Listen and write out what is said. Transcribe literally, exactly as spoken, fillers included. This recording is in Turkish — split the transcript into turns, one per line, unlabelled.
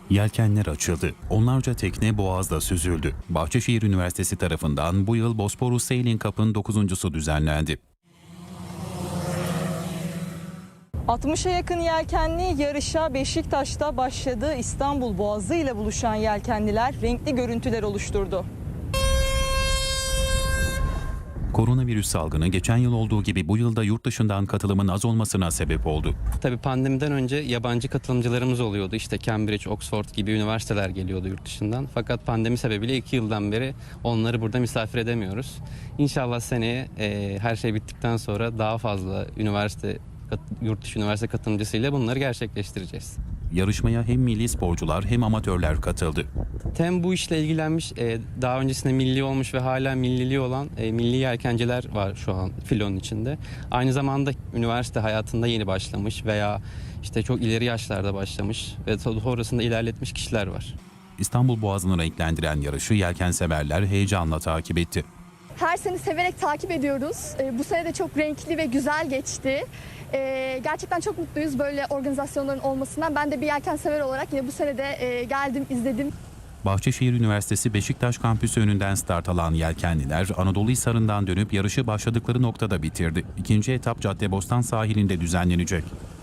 Yelkenler açıldı. Onlarca tekne Boğaz'da süzüldü. Bahçeşehir Üniversitesi tarafından bu yıl Bosporus Sailing Cup'ın dokuzuncusu düzenlendi.
altmışa yakın yelkenli yarışa Beşiktaş'ta başladı. İstanbul Boğazı ile buluşan yelkenliler renkli görüntüler oluşturdu.
Koronavirüs salgını geçen yıl olduğu gibi bu yılda yurt dışından katılımın az olmasına sebep oldu.
Tabii pandemiden önce yabancı katılımcılarımız oluyordu. İşte Cambridge, Oxford gibi üniversiteler geliyordu yurt dışından. Fakat pandemi sebebiyle iki yıldan beri onları burada misafir edemiyoruz. İnşallah seneye e, her şey bittikten sonra daha fazla üniversite, yurt dışı üniversite katılımcısıyla bunları gerçekleştireceğiz.
Yarışmaya hem milli sporcular hem amatörler katıldı.
Tem bu işle ilgilenmiş, e, daha öncesinde milli olmuş ve hala milliliği olan e, milli yelkenciler var şu an filonun içinde. Aynı zamanda üniversite hayatında yeni başlamış veya işte çok ileri yaşlarda başlamış ve sonrasında ilerletmiş kişiler var.
İstanbul Boğazı'nı renklendiren yarışı yelkenseverler heyecanla takip etti.
Her sene severek takip ediyoruz. Bu sene de çok renkli ve güzel geçti. Gerçekten çok mutluyuz böyle organizasyonların olmasından. Ben de bir yelkensever olarak yine bu sene de geldim, izledim.
Bahçeşehir Üniversitesi Beşiktaş kampüsü önünden start alan yelkenliler Anadolu Hisarı'ndan dönüp yarışı başladıkları noktada bitirdi. İkinci etap Caddebostan sahilinde düzenlenecek.